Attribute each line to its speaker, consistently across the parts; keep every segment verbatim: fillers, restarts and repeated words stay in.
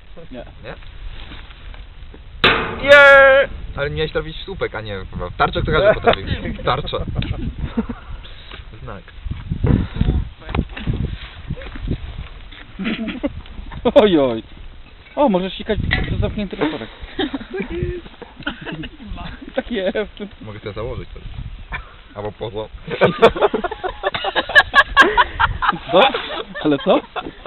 Speaker 1: Nie.
Speaker 2: Nie? Nie! Ale miałeś trafić w słupek, a nie w tarczę, to każdy potrafi. Tarcza. Znak.
Speaker 1: Oj, oj. O, możesz sikać przez zamknięty otworek. Tak jest.
Speaker 2: Mogę sobie założyć to. Albo poza.
Speaker 1: Co? Ale co?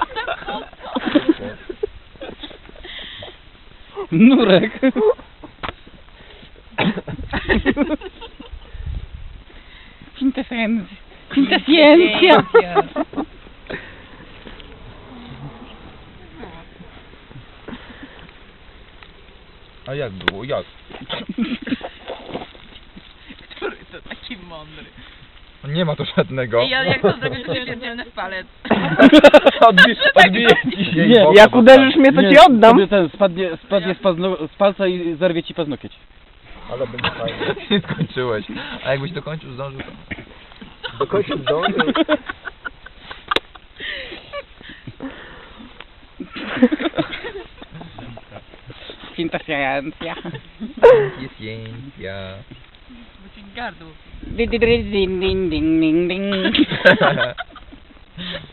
Speaker 1: Nurek. Quintessencja. Quintessencja.
Speaker 2: A jak było? Jak?
Speaker 3: Który to taki mądry.
Speaker 2: Nie ma tu żadnego.
Speaker 3: Ej, ale jak to zrobisz, to pierdzielny w palec.
Speaker 2: Odbi odbije ci się.
Speaker 4: Nie, jak uderzysz mnie, to ci oddam.
Speaker 1: Wtedy ten spadnie, spadnie z, pazno, z palca i zerwie ci paznokieć.
Speaker 2: Ale będzie fajnie. Nie skończyłeś. A jakbyś dokończył, zdążył to...
Speaker 4: Dokończył zdążył.
Speaker 1: Quintessencja.
Speaker 2: Jest jęcia.
Speaker 3: Bo ci gardło.
Speaker 1: Ding, ding, ding, ding, ding, ding.